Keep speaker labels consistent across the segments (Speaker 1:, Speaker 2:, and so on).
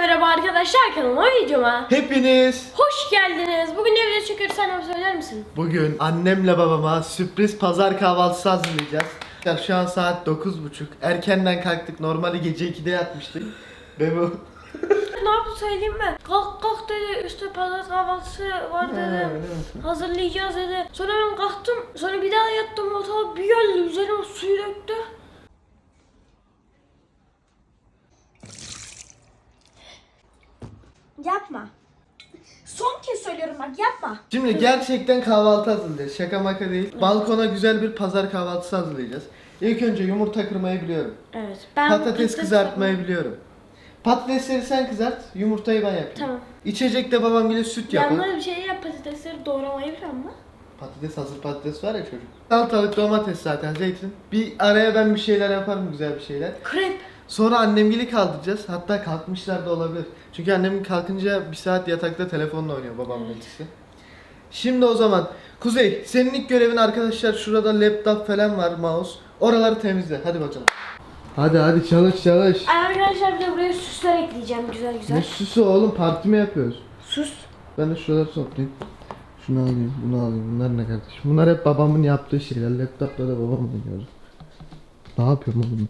Speaker 1: merhaba arkadaşlar, kanalıma videoma
Speaker 2: Hepiniz
Speaker 1: hoş geldiniz. Bugün ne video çekiyoruz, sen söyler misin?
Speaker 2: bugün annemle babama sürpriz pazar kahvaltısı hazırlayacağız. Ya şu an saat 9:30. Erkenden kalktık. Normali gece 2'de yatmıştık. Ve bu
Speaker 1: Ne yaptı söyleyeyim mi? Kalk dedi, işte pazar kahvaltısı var dedi. Hazırlayacağız dedi. Sonra ben kalktım, sonra bir daha yattım, ortalık bir geldi, üzerime suyu döktü.
Speaker 3: Yapma. Son kez söylüyorum bak, yapma.
Speaker 2: Şimdi gerçekten kahvaltı hazırlayacağız. Şaka maka değil. Balkona güzel bir pazar kahvaltısı hazırlayacağız. İlk önce yumurta kırmayı biliyorum.
Speaker 1: Evet.
Speaker 2: Patates kızartmayı biliyorum. Patatesleri sen kızart, yumurtayı ben yapayım.
Speaker 1: Tamam.
Speaker 2: İçecekte babam bile süt yapar.
Speaker 1: Yanına bir şey yap, patatesleri doğramayı biliyor musun?
Speaker 2: Patates, hazır patates var ya çocuk. Salatalık, domates zaten, zeytin. Bir araya ben bir şeyler yaparım, güzel bir şeyler.
Speaker 1: Krep.
Speaker 2: Sonra annemgili kaldıracağız. Hatta kalkmışlar da olabilir. Çünkü annem kalkınca bir saat yatakta telefonla oynuyor babamla ikisi. Şimdi o zaman Kuzey, senin ilk görevin arkadaşlar, şurada laptop falan var, mouse. Oraları temizle. Hadi bakalım. Hadi çalış.
Speaker 1: Arkadaşlar bir de buraya süsler ekleyeceğim, güzel güzel.
Speaker 2: Ne süsü oğlum, parti mi yapıyoruz?
Speaker 1: Sus.
Speaker 2: Ben de şuraları toplayayım. Şunu alayım, bunu alayım. Bunlar ne kardeşim? Bunlar hep babamın yaptığı şeyler. Laptopla da babam oynuyor. Ne yapıyorum oğlum?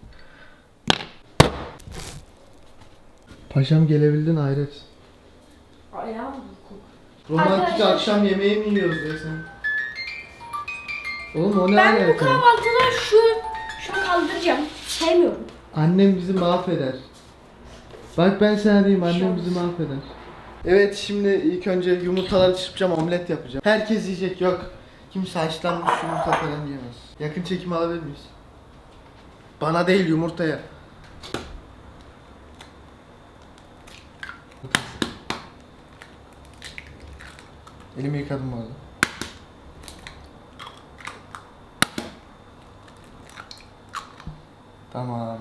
Speaker 2: Paşam gelebildin hayret.
Speaker 1: Ayağım
Speaker 2: Romantik
Speaker 1: Arkadaşlar-
Speaker 2: akşam yemeği mi yiyoruz be sen? Oğlum o ne
Speaker 1: Ben bu
Speaker 2: alaka?
Speaker 1: kahvaltıda şunu kaldıracağım. Sevmiyorum.
Speaker 2: Annem bizi mahveder. Bak ben sana diyeyim, annem
Speaker 1: Şans.
Speaker 2: bizi mahveder. Evet, şimdi ilk önce yumurtaları çırpacağım, omlet yapacağım. Herkes yiyecek, yok. Kimse haşlanmış yumurta falan yiyemez. Yakın çekim alabilir miyiz? Bana değil, yumurtaya. Elimi yıkadım bu arada. Tamam.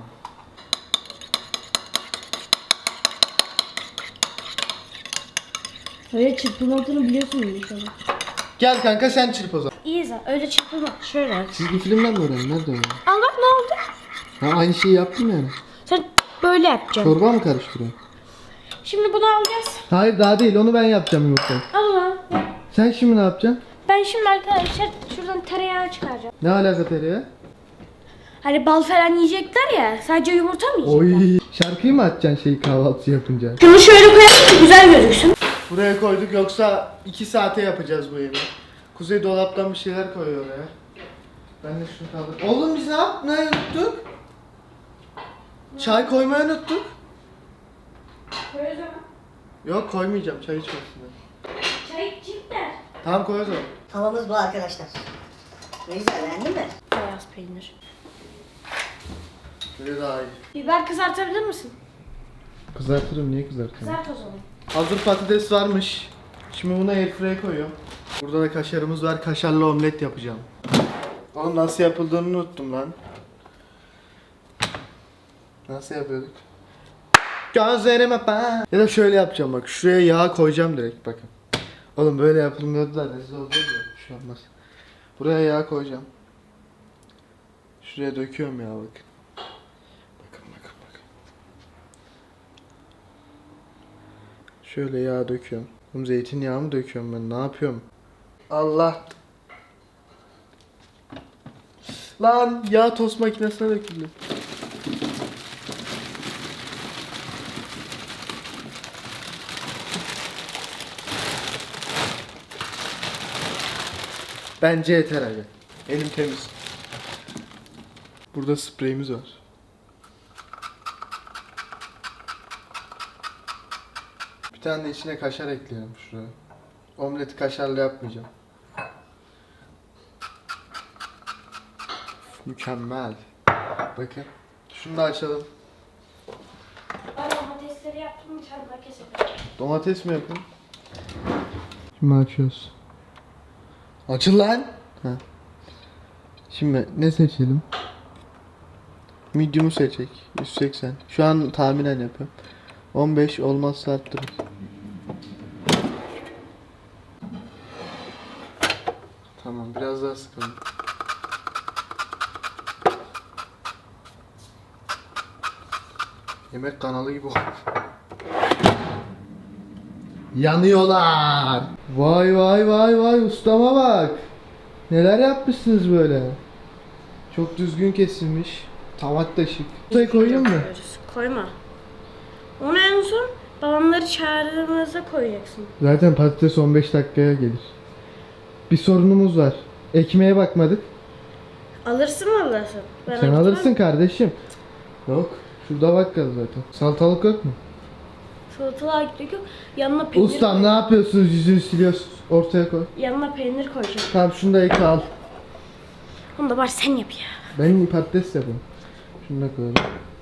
Speaker 1: Öyle çırpılmadığını biliyorsun inşallah.
Speaker 2: Gel kanka, sen çırp o zaman.
Speaker 1: İyi zaten, öyle çırpılma. Şöyle.
Speaker 2: Çizgi filmden mi öğrendin? Nerede öğrendin?
Speaker 1: Al bak ne oldu?
Speaker 2: Ha, aynı şeyi yaptım yani.
Speaker 1: Sen böyle yapacaksın.
Speaker 2: Çorba mı karıştırıyorsun?
Speaker 1: Şimdi bunu alacağız.
Speaker 2: Hayır, daha değil, onu ben yapacağım yumurtayı.
Speaker 1: Al lan.
Speaker 2: Sen şimdi ne yapacaksın?
Speaker 1: Ben şimdi arkadaşlar şuradan tereyağı çıkaracağım.
Speaker 2: Ne alaka tereyağı?
Speaker 1: Hani bal falan yiyecekler ya. Sadece yumurta mı yiyecekler?
Speaker 2: Oy, şarkıyı mı açacaksın şeyi kahvaltı yapınca?
Speaker 1: Şunu şöyle koyalım ki güzel gözüksün.
Speaker 2: Buraya koyduk, yoksa 2 saate yapacağız bu yemeği. Kuzey dolaptan bir şeyler koyuyor oraya. Ben de şunu kaldır. Oğlum biz ne unuttuk? Çay koymayı unuttuk.
Speaker 1: Koyuyoruz ama.
Speaker 2: Yok, koymayacağım, çay içmesinler.
Speaker 1: Çay içecekler.
Speaker 2: Tamam, koy o zaman.
Speaker 4: Tavamız bu arkadaşlar. Ne güzel, beğendin mi?
Speaker 1: Beyaz peynir.
Speaker 2: Böyle daha iyi.
Speaker 1: Biber kızartabilir misin?
Speaker 2: Kızartırım, niye kızartırım?
Speaker 1: Kızart o zaman.
Speaker 2: Hazır patates varmış. Şimdi buna airfryer'e koyuyorum. Burada da kaşarımız var. Kaşarlı omlet yapacağım. Oğlum nasıl yapıldığını unuttum lan. Nasıl yapıyorduk? Gözlerime bak. Ya da şöyle yapacağım bak. Şuraya yağ koyacağım direkt, bakın. Oğlum böyle yapılmıyordu da rezil oldu ya. Bir şey olmaz. Buraya yağ koyacağım. Şuraya döküyorum ya, bakın. Bakın. Şöyle yağ döküyorum. Oğlum zeytinyağı mı döküyorum ben? Ne yapıyorum? Allah. Lan yağ tost makinesine döküldü. Bence yeter abi. Elim temiz. Burada spreyimiz var. Bir tane de içine kaşar ekleyelim şuraya. Omleti kaşarlı yapmayacağım. Mükemmel. Bakın. Şunu da açalım.
Speaker 1: Ben domatesleri yaptım, bir tane daha keselim.
Speaker 2: Domates mi yapın? Şimdi açıyoruz. Açın lan. Ha. Şimdi ne seçelim? Medium'u seçecek. 180. Şu an tahminen yapıyorum. 15 olmazsa arttırırız. Tamam, biraz daha sıkalım. Yemek kanalı gibi oldu. Yanıyorlar. Vay vay vay vay ustama bak. Neler yapmışsınız böyle. Çok düzgün kesilmiş. Tavat da şık. Ortaya koyayım mı?
Speaker 1: Koyma. Onu en son babamları çağırdığımızda koyacaksın.
Speaker 2: Zaten patates 15 dakikaya gelir. Bir sorunumuz var. Ekmeğe bakmadık.
Speaker 1: Alırsın mı alırsın? Ben
Speaker 2: Sen alırsın kardeşim. Yok. Şurada bakkal zaten. Salatalık yok mu?
Speaker 1: Salatalığa gittik yok. Yanına peynir
Speaker 2: Ustam ne yapıyorsunuz? Yüzünü siliyorsunuz. Ortaya koy.
Speaker 1: Yanına peynir koyacağım.
Speaker 2: Tamam şunu da ek al.
Speaker 1: Onu da bari sen yap ya.
Speaker 2: Ben patates yapayım. Şunu da koyalım.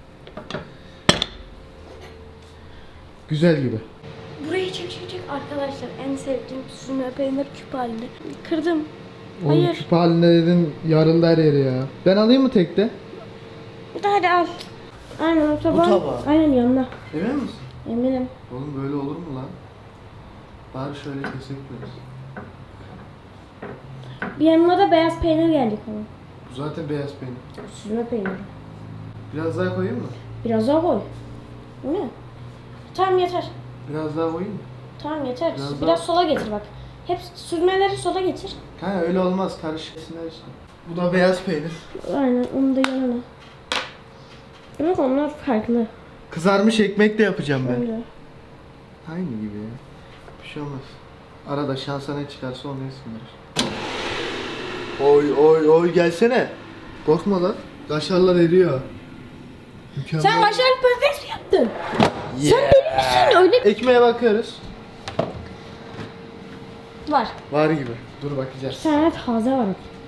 Speaker 2: Güzel gibi.
Speaker 1: Burayı çek arkadaşlar. En sevdiğim süzme peynir küp halinde. Kırdım.
Speaker 2: Oğlum
Speaker 1: Hayır.
Speaker 2: küp halinde dedin yarıldı her yeri ya. Ben alayım mı tekte?
Speaker 1: Hadi al. Aynen o tabağı.
Speaker 2: tabağı.
Speaker 1: Aynen yanına.
Speaker 2: Emin misin?
Speaker 1: Eminim.
Speaker 2: Oğlum böyle olur mu lan? Bari şöyle kesek biraz.
Speaker 1: Bir yanına da beyaz peynir geldi ama.
Speaker 2: Bu zaten beyaz peynir.
Speaker 1: Süzme peynir.
Speaker 2: Biraz daha koyayım mı?
Speaker 1: Biraz daha koy. Bu ne? Tamam yeter.
Speaker 2: Biraz daha koyayım mı?
Speaker 1: Tamam yeter.
Speaker 2: Biraz
Speaker 1: Biraz
Speaker 2: daha-
Speaker 1: sola getir bak. Hep süzmeleri sola getir.
Speaker 2: Ha öyle olmaz karışıksınlar işte. Bu da beyaz peynir.
Speaker 1: Aynen onu da yanına. Bak onlar farklı.
Speaker 2: Kızarmış ekmek de yapacağım ben.
Speaker 1: Öyle.
Speaker 2: Aynı gibi ya. Bir şey olmaz. Arada şansa ne çıkarsa onu yesinler. Oy oy oy gelsene. Korkma lan. Kaşarlar eriyor. Mükemmel.
Speaker 1: Sen kaşarlı patates mi yaptın?
Speaker 2: Yeah.
Speaker 1: Sen deli misin? Öyle
Speaker 2: Ekmeğe bakıyoruz.
Speaker 1: var.
Speaker 2: Var gibi. Dur bakacağız.
Speaker 1: Bir tane taze var.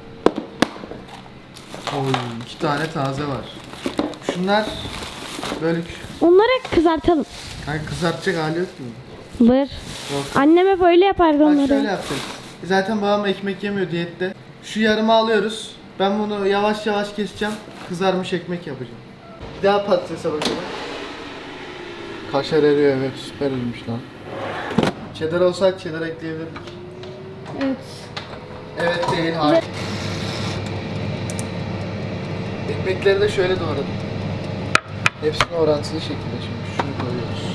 Speaker 2: Oy 2 tane taze var. Şunlar böyle
Speaker 1: Onları kızartalım.
Speaker 2: kanka kızartacak hali yok mu?
Speaker 1: Var.
Speaker 2: Yok.
Speaker 1: Annem hep öyle yapardı
Speaker 2: Bak
Speaker 1: onları.
Speaker 2: şöyle yaptık. Zaten babam ekmek yemiyor diyette. Şu yarımı alıyoruz. Ben bunu yavaş yavaş keseceğim. Kızarmış ekmek yapacağım. Bir daha patatese bakalım. Kaşar eriyor, evet, süper erimiş lan. Cheddar olsaydı cheddar ekleyebilirdik.
Speaker 1: Evet.
Speaker 2: Evet değil, hayır. Ekmekleri de şöyle doğradım. Hepsini orantılı şekilde şimdi şunu koyuyoruz.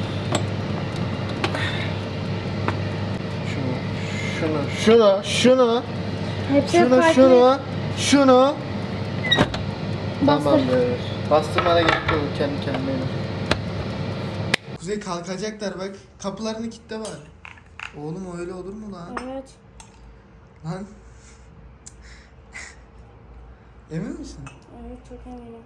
Speaker 2: Şunu.
Speaker 1: Hepsi
Speaker 2: Şunu,
Speaker 1: farklı.
Speaker 2: şunu.
Speaker 1: Bastır.
Speaker 2: Tamamdır. Bastırmana gerek yok, kendi kendine. Kuzey kalkacaklar bak. Kapılarını kilitle var. Oğlum öyle olur mu lan?
Speaker 1: Evet.
Speaker 2: Lan. Emin misin?
Speaker 1: Evet çok eminim.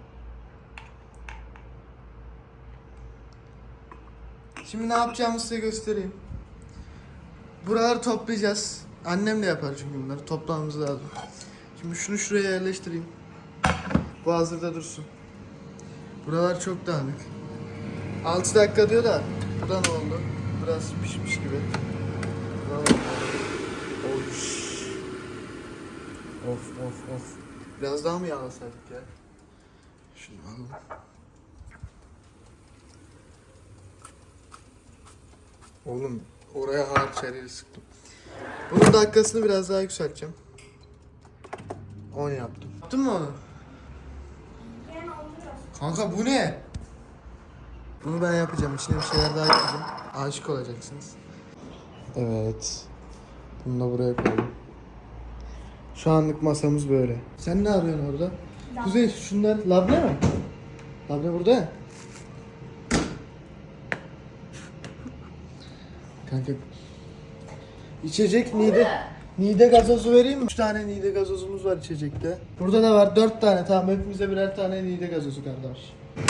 Speaker 2: Şimdi ne yapacağımı size göstereyim. Buraları toplayacağız. Annem de yapar çünkü bunları. Toplamamız lazım. Şimdi şunu şuraya yerleştireyim. Bu hazırda dursun. Buralar çok dağınık. 6 dakika diyor da buradan oldu. Biraz pişmiş gibi. Buradan oldu. Oy. Of. Biraz daha mı yağlasaydık ya? Şunu alalım. Oğlum oraya harç her sıktım. Bunun dakikasını biraz daha yükselteceğim. 10 yaptım. Yaptın mı onu? Kanka bu ne? Bunu ben yapacağım. İçine bir şeyler daha yapacağım. Aşık olacaksınız. Evet. Bunu da buraya koyalım. Şu anlık masamız böyle. Sen ne arıyorsun orada? Kuzey şunlar labne mi? Labne burada ya. Kanka. İçecek Nide gazozu vereyim mi? 3 tane Nide gazozumuz var içecekte. Burada da var 4 tane. Tamam hepimize birer tane Nide gazozu kardeş.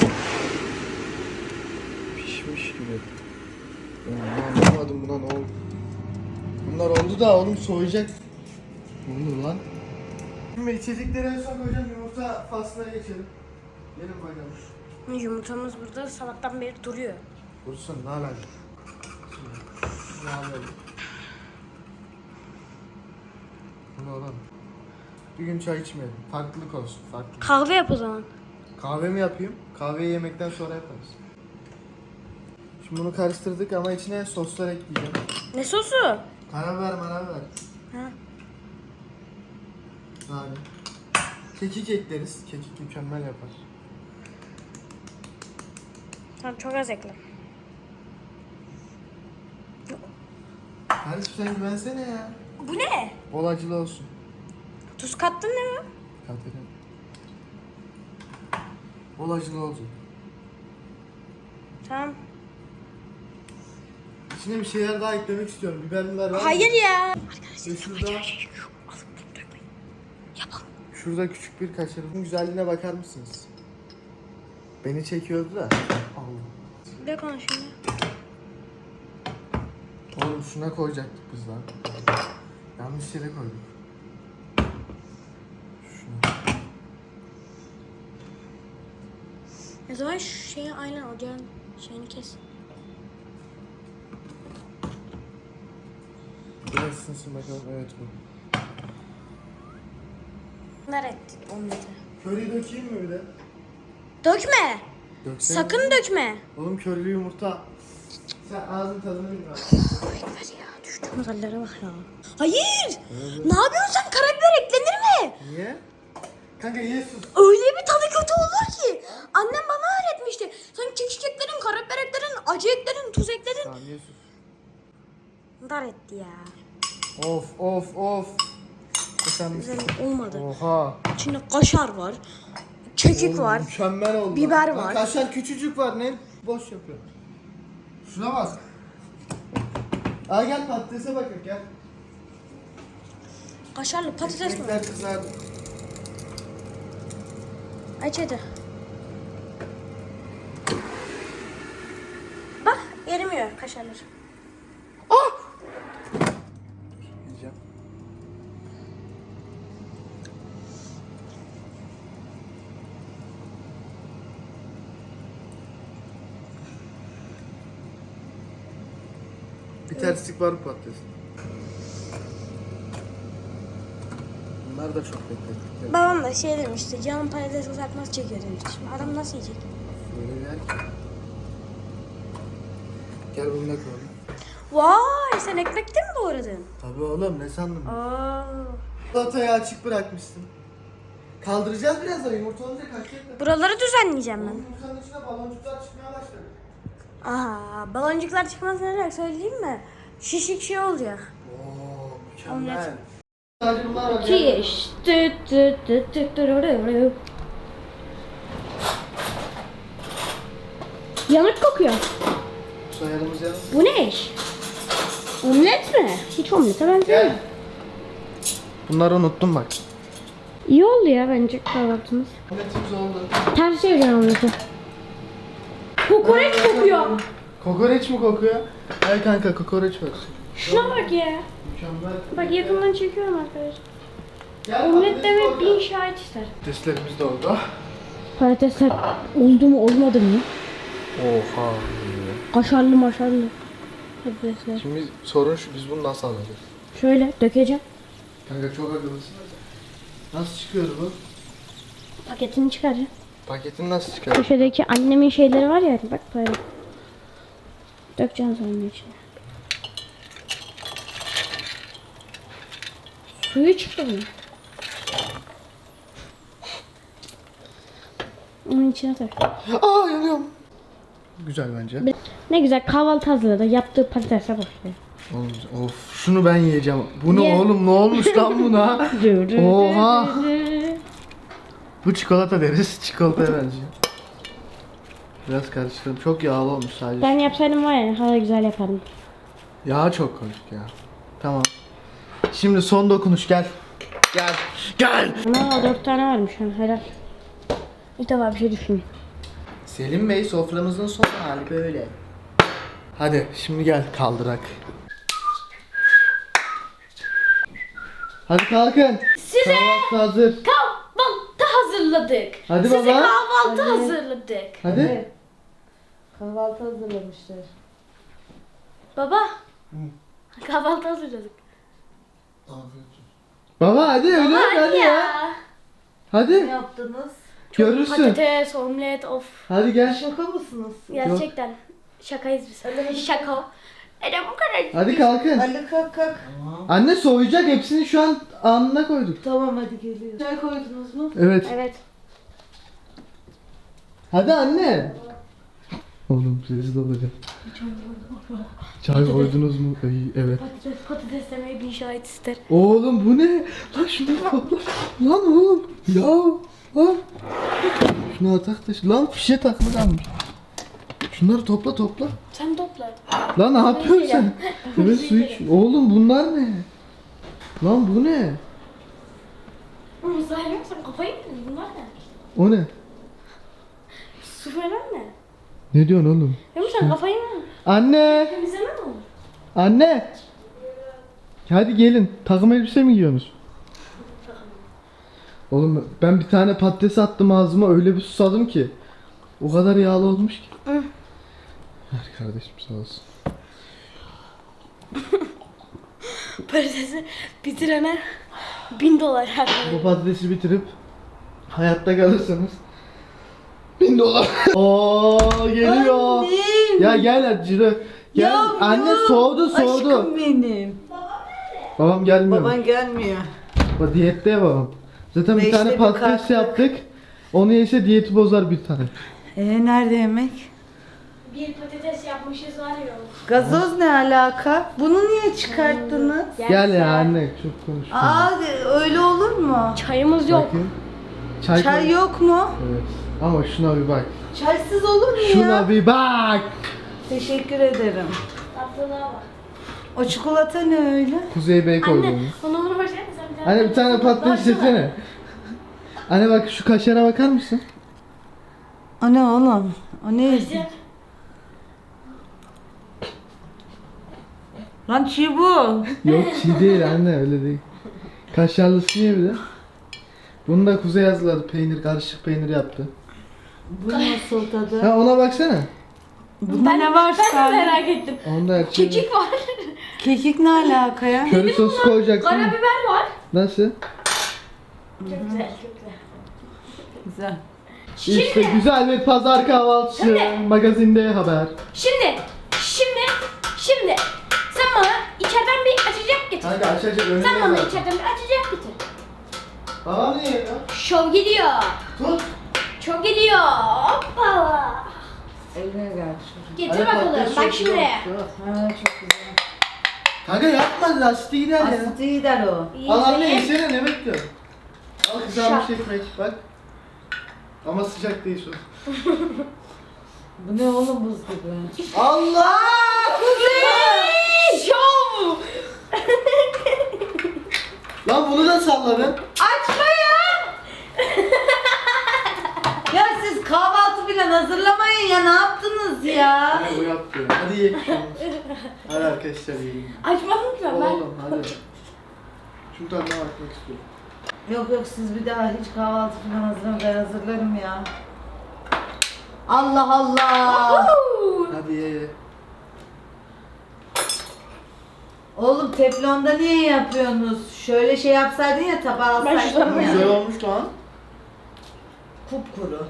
Speaker 2: Pişmiş gibi. Ben anlamadım buna ne oldu. Bunlar oldu da oğlum soğuyacak. Ne oldu lan? Şimdi içecekleri en son koyacağım, yumurta faslına geçelim. Gelin bakalım.
Speaker 1: Yumurtamız burada sabahtan beri duruyor.
Speaker 2: Dursun ne alaka? Ne alaka? Bunu alalım. Bir gün çay içmeyelim. Farklılık olsun, farklılık.
Speaker 1: Kahve yap o zaman.
Speaker 2: Kahve mi yapayım? Kahveyi yemekten sonra yaparız. Şimdi bunu karıştırdık ama içine soslar ekleyeceğim.
Speaker 1: Ne sosu?
Speaker 2: Karabiber.
Speaker 1: Ha.
Speaker 2: Yani. Kekik ekleriz. Kekik mükemmel yapar.
Speaker 1: Tamam çok az ekle.
Speaker 2: Hadi sen güvensene ya.
Speaker 3: Bu ne?
Speaker 2: Bol acılı olsun.
Speaker 3: Tuz kattın değil mi?
Speaker 2: Katerin. Bol acılı olacak.
Speaker 3: Tamam.
Speaker 2: İçine bir şeyler daha eklemek istiyorum. Biberler var mı?
Speaker 3: Hayır ya.
Speaker 2: Ve şurada küçük bir kaşarın güzelliğine bakar mısınız? Beni çekiyordu da. Allah.
Speaker 3: Dök onu şimdi.
Speaker 2: Oğlum şuna koyacaktık biz lan. Yanlış yere koyduk. Şuna.
Speaker 3: O zaman şu şeyi aynen ocağın şeyini kes.
Speaker 2: Biraz ısınsın bakalım. Evet bu.
Speaker 3: Ver et omleti.
Speaker 2: Köri dökeyim mi bir de?
Speaker 3: Dökme.
Speaker 2: Döksene.
Speaker 3: Sakın dökme.
Speaker 2: Oğlum körlü yumurta. Sen ağzın tadını bilme.
Speaker 3: Ver ya düştüğümüz hallere bak ya. Hayır. Ne yapıyorsun sen? Karabiber eklenir mi?
Speaker 2: Niye? Kanka ye sus.
Speaker 3: Öyle bir tadı kötü olur ki. Annem bana öğretmişti. Sen kekik ekledin, karabiber ekledin, acı ekledin, tuz ekledin.
Speaker 2: Tamam ye sus.
Speaker 3: Dar etti ya.
Speaker 2: Of. Sen
Speaker 3: Güzel
Speaker 2: misin?
Speaker 3: olmadı.
Speaker 2: Oha.
Speaker 3: İçinde kaşar var. Kekik
Speaker 2: Oğlum,
Speaker 3: var.
Speaker 2: Mükemmel oldu.
Speaker 3: Biber
Speaker 2: Bak,
Speaker 3: var.
Speaker 2: kaşar küçücük var ne? Boş yapıyor. Şuna bak. Al gel patatese bakın gel.
Speaker 3: Kaşarlı patates mi?
Speaker 2: Ekmekler kızardı.
Speaker 3: Aç hadi. Bak erimiyor kaşarlar.
Speaker 2: Yiyeceğim. Bir terslik var bu patatesin. Bunlar da çok beklettik.
Speaker 3: Babam da şey demişti, canım patates uzatmaz çekiyor demişti. Şimdi adam nasıl yiyecek?
Speaker 2: Böyle gel. Gel bunu da koyalım.
Speaker 3: Vay sen ekmekte mi doğradın?
Speaker 2: Tabii oğlum ne sandın?
Speaker 3: Aa.
Speaker 2: Salatayı açık bırakmışsın. Kaldıracağız birazdan yumurta olunca kaçacak.
Speaker 3: Buraları düzenleyeceğim ben.
Speaker 2: Yumurtanın içine baloncuklar çıkmaya başladı.
Speaker 3: Aha, baloncuklar çıkmaz ne olacak söyleyeyim mi? Şişik şey olacak.
Speaker 2: Oo mükemmel.
Speaker 3: Omlet.
Speaker 2: Sadece bunlar var.
Speaker 1: Kiş. Yanık kokuyor.
Speaker 2: Soyadımız yanı.
Speaker 1: Bu ne iş? Omlet mi? Hiç omlete benzemiyor.
Speaker 2: Gel. Bunları unuttum bak.
Speaker 1: İyi oldu ya bence kahvaltımız.
Speaker 2: Omletimiz oldu.
Speaker 1: Ters çevireceğim omleti. Kokoreç kokuyor.
Speaker 2: Kokoreç mi kokuyor? Ay kanka kokoreç var.
Speaker 1: Şuna bak ya.
Speaker 2: Mükemmel.
Speaker 1: Bak yakından çekiyorum arkadaşlar.
Speaker 2: Gel,
Speaker 1: Omlet
Speaker 2: patates
Speaker 1: demek
Speaker 2: orada.
Speaker 1: bin şahit ister.
Speaker 2: Patateslerimiz de oldu.
Speaker 1: Patatesler oldu mu olmadı mı?
Speaker 2: Oha.
Speaker 1: Kaşarlı maşarlı. Patatesler.
Speaker 2: Şimdi sorun şu, biz bunu nasıl alacağız?
Speaker 1: Şöyle dökeceğim.
Speaker 2: Kanka çok akıllısın. Nasıl çıkıyor bu?
Speaker 1: Paketini çıkaracağım.
Speaker 2: Paketini nasıl çıkıyor?
Speaker 1: Köşedeki annemin şeyleri var ya bak böyle. Dökeceğim sonra içine. Suyu çıktı bunun. Onun içine tak.
Speaker 2: Aa yanıyorum. Güzel bence.
Speaker 1: Ne güzel kahvaltı hazırladı. Yaptığı patatese bak.
Speaker 2: Oğlum, of şunu ben yiyeceğim. Bu ne
Speaker 1: Ye.
Speaker 2: oğlum ne olmuş lan buna? Oha. Bu çikolata deriz. Çikolataya benziyor. Biraz karıştırdım. Çok yağlı olmuş sadece.
Speaker 1: Ben yapsaydım var ya hala güzel yapardım.
Speaker 2: Yağ çok koyduk ya. Tamam. Şimdi son dokunuş gel. Gel.
Speaker 1: Ama 4 tane varmış ha helal. İlk defa bir şey düşündüm.
Speaker 2: Selim Bey soframızın son hali böyle. Hadi şimdi gel kaldırak. Hadi kalkın.
Speaker 1: Size
Speaker 2: Kahvaltı hazır.
Speaker 1: kahvaltı hazırladık.
Speaker 2: Hadi
Speaker 1: Size
Speaker 2: baba.
Speaker 1: kahvaltı hazırladık.
Speaker 2: Hadi.
Speaker 1: Kahvaltı hazırlamışlar. Baba. Kahvaltı hazırladık.
Speaker 2: Baba hadi öyle hadi ya. Hadi.
Speaker 5: yaptınız?
Speaker 2: Görürsün.
Speaker 1: Patates, omlet, of.
Speaker 2: Hadi gel.
Speaker 5: Şaka mısınız?
Speaker 1: Gerçekten. Şakayız biz. Şaka. Bu kadar.
Speaker 2: Hadi kalkın.
Speaker 5: Ali kalk kalk.
Speaker 2: Anne soğuyacak hepsini şu an anına koyduk.
Speaker 5: Tamam hadi geliyor. Çay koydunuz mu?
Speaker 2: Evet.
Speaker 1: Evet.
Speaker 2: Hadi anne. Oğlum sessiz olacak. Çay koydunuz mu? Evet.
Speaker 1: Patates demeye bir şahit ister.
Speaker 2: Oğlum bu ne? Lan şunu topla. Lan oğlum. Ya. Lan. Şunu atak da. Lan fişe takma kalmış. Şunları topla.
Speaker 1: Sen topla.
Speaker 2: Lan ne yapıyorsun sen? Evet su iç. Oğlum bunlar ne? Lan bu ne?
Speaker 1: Oğlum sen yoksa kafayı mı yedin? Bunlar ne?
Speaker 2: O ne?
Speaker 1: Su falan ne?
Speaker 2: Ne diyorsun oğlum?
Speaker 1: Oğlum sen kafayı mı?
Speaker 2: Anne!
Speaker 1: Temizleme mi?
Speaker 2: Anne! Hadi gelin. Takım elbise mi giyiyorsunuz? Oğlum ben bir tane patates attım ağzıma öyle bir susadım ki. O kadar yağlı olmuş ki. Ver kardeşim sağ olsun.
Speaker 1: Patatesi bitirene $1000
Speaker 2: Bu patatesi bitirip hayatta kalırsanız $1000. Oo geliyor.
Speaker 5: Annem.
Speaker 2: Ya gel hadi Ciro. Gel.
Speaker 5: Yavrum.
Speaker 2: Anne soğudu.
Speaker 5: Aşkım benim.
Speaker 2: Babam gelmiyor.
Speaker 5: Baban gelmiyor.
Speaker 2: O diyette ya babam. Zaten bir
Speaker 5: Beşte
Speaker 2: tane
Speaker 5: bir
Speaker 2: patates
Speaker 5: kalktık.
Speaker 2: yaptık. Onu yese diyeti bozar bir tane.
Speaker 5: Nerede yemek?
Speaker 1: Bir patates yapmışız var ya.
Speaker 5: Gazoz ne alaka? Bunu niye çıkarttınız?
Speaker 2: Gel ya anne çok konuşma.
Speaker 5: Aa öyle olur mu?
Speaker 1: Çayımız yok.
Speaker 2: Bakayım.
Speaker 5: Çay
Speaker 2: koy.
Speaker 5: yok mu?
Speaker 2: Evet. Ama şuna bir bak.
Speaker 5: Çaysız olur mu
Speaker 2: Şuna
Speaker 5: ya?
Speaker 2: bir bak.
Speaker 5: Teşekkür ederim.
Speaker 1: Tatlılığa bak.
Speaker 5: O çikolata ne öyle?
Speaker 2: Kuzey Bey koydu
Speaker 1: Anne
Speaker 2: onu.
Speaker 1: onu versene sen bir tane.
Speaker 2: Anne bir tane patates yesene. Anne bak şu kaşara bakar mısın?
Speaker 5: O ne oğlum? O ne?
Speaker 1: Kaşar.
Speaker 5: Lan çiğ bu.
Speaker 2: Yok çiğ değil anne öyle değil. Kaşarlısı ye bir de. Bunu da Kuzey hazırladı. Peynir, karışık peynir yaptı.
Speaker 5: Bu nasıl tadı?
Speaker 2: Ha ona baksana.
Speaker 5: Bunda ne var
Speaker 1: Ben de
Speaker 5: Salih?
Speaker 1: merak ettim.
Speaker 2: Onda her şey var.
Speaker 1: Kekik var.
Speaker 5: Kekik ne alaka ya?
Speaker 2: Köri sosu koyacaksın.
Speaker 1: Karabiber var.
Speaker 2: Nasıl?
Speaker 1: Çok güzel, çok güzel.
Speaker 5: Güzel.
Speaker 2: İşte güzel bir pazar kahvaltısı. Magazinde haber.
Speaker 1: Şimdi sen bana içeriden bir açacak getir.
Speaker 2: Kanka açacak önünde
Speaker 1: Sen bana
Speaker 2: zaten.
Speaker 1: içeriden bir açacak getir.
Speaker 2: Babam niye ya?
Speaker 1: Şov gidiyor.
Speaker 2: Tut.
Speaker 1: Şov gidiyor. Hoppala.
Speaker 5: Eline gel.
Speaker 1: Getir
Speaker 2: Hadi
Speaker 1: bakalım.
Speaker 2: patates
Speaker 1: Bak
Speaker 2: sosu
Speaker 1: şimdi.
Speaker 2: yok.
Speaker 5: Ha çok güzel.
Speaker 2: Kanka yapma lastik gider ya.
Speaker 5: Asit'i gider o.
Speaker 2: Al anne
Speaker 1: İyi.
Speaker 2: yesene ne bekliyorsun? Al kızarmış ekmek bak. Ama sıcak değil şu.
Speaker 5: Bu ne oğlum buz gibi?
Speaker 2: Allah!
Speaker 1: Şov.
Speaker 2: Lan bunu da salladın.
Speaker 5: Açma ya! Ya siz kahvaltı bile hazırlamayın ya ne yaptınız ya?
Speaker 2: Ne bu yaptı? Hadi ye. Hadi arkadaşlar yiyelim.
Speaker 1: Açmadın mı ben?
Speaker 2: Oğlum hadi. Şunu tadına bakmak istiyorum.
Speaker 5: Yok yok siz bir daha hiç kahvaltı falan hazırlamayın ben hazırlarım ya. Allah Allah!
Speaker 2: Hadi ye.
Speaker 5: Oğlum teflonda niye yapıyorsunuz? Şöyle şey yapsaydın ya tabağa
Speaker 1: Ben
Speaker 5: alsaydın
Speaker 1: şuradan
Speaker 5: ya.
Speaker 2: Güzel olmuş lan.
Speaker 5: Kupkuru.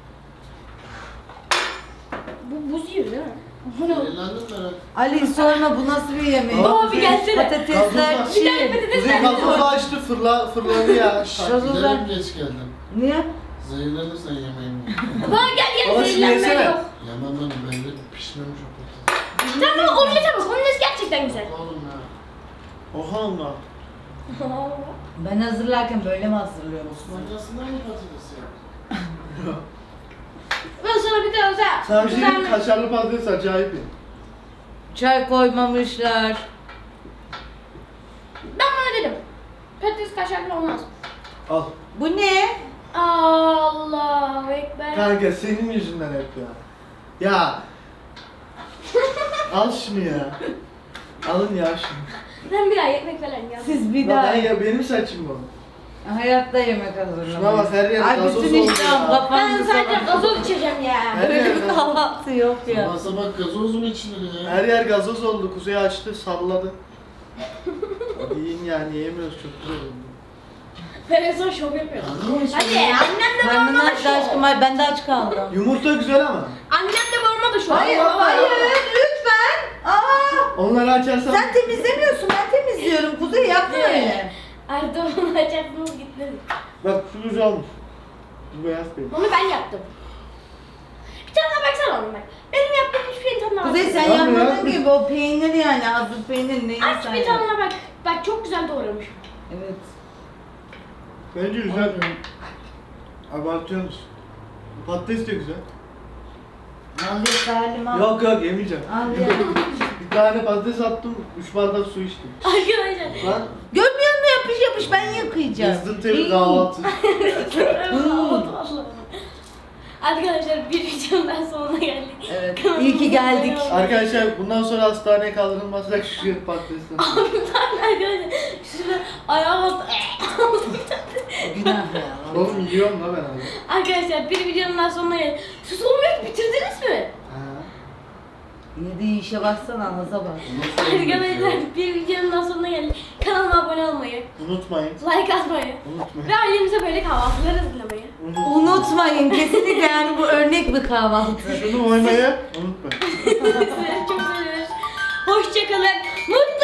Speaker 1: Bu buz gibi değil mi? Bu ne?
Speaker 5: Ali sorma bu nasıl bir yemek?
Speaker 2: Aa,
Speaker 1: bir gelsene.
Speaker 5: Patatesler
Speaker 2: Gazoz
Speaker 5: çiğ.
Speaker 2: Kuzey gazozu açtı fırladı ya.
Speaker 5: Gazozlar.
Speaker 6: Geç geldim.
Speaker 5: Niye?
Speaker 6: Zehirlenirsen yemeğimi.
Speaker 1: Bana gel
Speaker 2: Baba şunu
Speaker 1: zehirlenme
Speaker 2: yesene.
Speaker 1: yok.
Speaker 6: Yemem ben de pişmemiş o patates.
Speaker 1: Tamam omlete bak. Omlet gerçekten güzel.
Speaker 6: Oğlum ya.
Speaker 2: Oha Allah.
Speaker 5: Ben hazırlarken böyle mi hazırlıyorsunuz?
Speaker 6: Manyasından mı patates ya?
Speaker 1: Ben sana bir de özel.
Speaker 2: Sana bir şey diyeyim mi?
Speaker 1: Güzel-
Speaker 2: Kaşarlı patates acayip iyi.
Speaker 5: Çay koymamışlar.
Speaker 1: Ben bana dedim. Patates kaşarlı olmaz.
Speaker 2: Al.
Speaker 5: Bu ne?
Speaker 1: Allahu Ekber.
Speaker 2: Kanka senin yüzünden hep ya. Ya. Al şunu ya. Alın ya şunu.
Speaker 1: Ben bir daha ekmek falan ya.
Speaker 5: Siz bir
Speaker 2: Bak
Speaker 5: daha
Speaker 2: ben ya benim saçım bu.
Speaker 5: hayatta yemek hazırlamayın.
Speaker 2: Şuna bak, her yer
Speaker 5: Ay
Speaker 2: gazoz
Speaker 5: bütün
Speaker 2: oldu
Speaker 5: iştahım
Speaker 2: ya.
Speaker 1: Ben
Speaker 5: kapandı
Speaker 1: sadece
Speaker 5: sabah.
Speaker 1: gazoz içeceğim ya.
Speaker 2: Her
Speaker 5: Böyle
Speaker 2: yer
Speaker 5: bir
Speaker 2: gazoz.
Speaker 5: kahvaltı yok ya.
Speaker 6: Sabah sabah gazoz mu içilir ya?
Speaker 2: Her yer gazoz oldu. Kuzey açtı, salladı. Hadi yiyin yani yiyemiyoruz çok güzel oldu.
Speaker 1: Ben en son şov yapıyorum.
Speaker 6: Anladın mı?
Speaker 1: Hadi annem de
Speaker 5: Karnın
Speaker 1: babama da
Speaker 5: aç aşkım
Speaker 1: şov.
Speaker 5: ay ben de aç kaldım.
Speaker 2: Yumurta güzel ama.
Speaker 1: Annem de babama da şov.
Speaker 5: Hayır hayır lütfen. Aa,
Speaker 2: Onları açarsan...
Speaker 5: sen temizlemiyorsun ben temizliyorum. Kuzey yapma öyle.
Speaker 1: Erdoğan'ın açarsınız gitmedi.
Speaker 2: Bak şu güzel olmuş. Bu beyaz değil.
Speaker 1: Onu ben yaptım. Bir tane daha baksana onu bak. Benim yaptığım hiçbir şeyin tadına bak.
Speaker 5: Kuzey sen
Speaker 2: Tamam ya.
Speaker 5: yapmadın gibi o peynir yani hazır peynir neyi
Speaker 1: Aç
Speaker 5: sen
Speaker 1: bir
Speaker 5: yap-
Speaker 1: tadına bak. Bak çok güzel doğramış.
Speaker 5: Evet.
Speaker 2: Bence güzel. Abartıyorsunuz. Patates de güzel.
Speaker 5: Al ye Salim al.
Speaker 2: Yok yok yemeyeceğim.
Speaker 5: Al ye.
Speaker 2: Bir tane patates attım, 3 bardak su içtim.
Speaker 1: Arkadaşlar.
Speaker 2: Lan
Speaker 5: Görmüyor musun yapış yapış ben yıkayacağım.
Speaker 2: wisdom bir kahvaltı.
Speaker 1: Arkadaşlar bir videonun daha sonuna geldik.
Speaker 5: Evet.
Speaker 1: Kanalıma
Speaker 5: İyi ki geldik.
Speaker 1: abone olmayı-
Speaker 2: Arkadaşlar bundan sonra hastaneye kaldırılmazsak şu patatesten.
Speaker 1: Arkadaşlar şurada ayağa bastı.
Speaker 5: Günah ya.
Speaker 2: Oğlum yiyorum la ben abi.
Speaker 1: Arkadaşlar bir videonun daha sonuna geldik. Sus olmuyor bitirdiniz mi?
Speaker 2: Ha.
Speaker 5: Yediği işe baksana ağza bak.
Speaker 1: Arkadaşlar bir videonun daha sonuna geldik. Kanalıma abone olmayı,
Speaker 2: Unutmayın.
Speaker 1: like atmayı
Speaker 2: Unutmayın.
Speaker 1: ve ailemize böyle kahvaltılar hazırlamayı.
Speaker 5: Unutmayın kesinlikle yani bu örnek bir kahvaltı.
Speaker 2: Şunu oymayı unutmayın.
Speaker 1: Sizleri çok seviyoruz. Hoşçakalın. Mutlu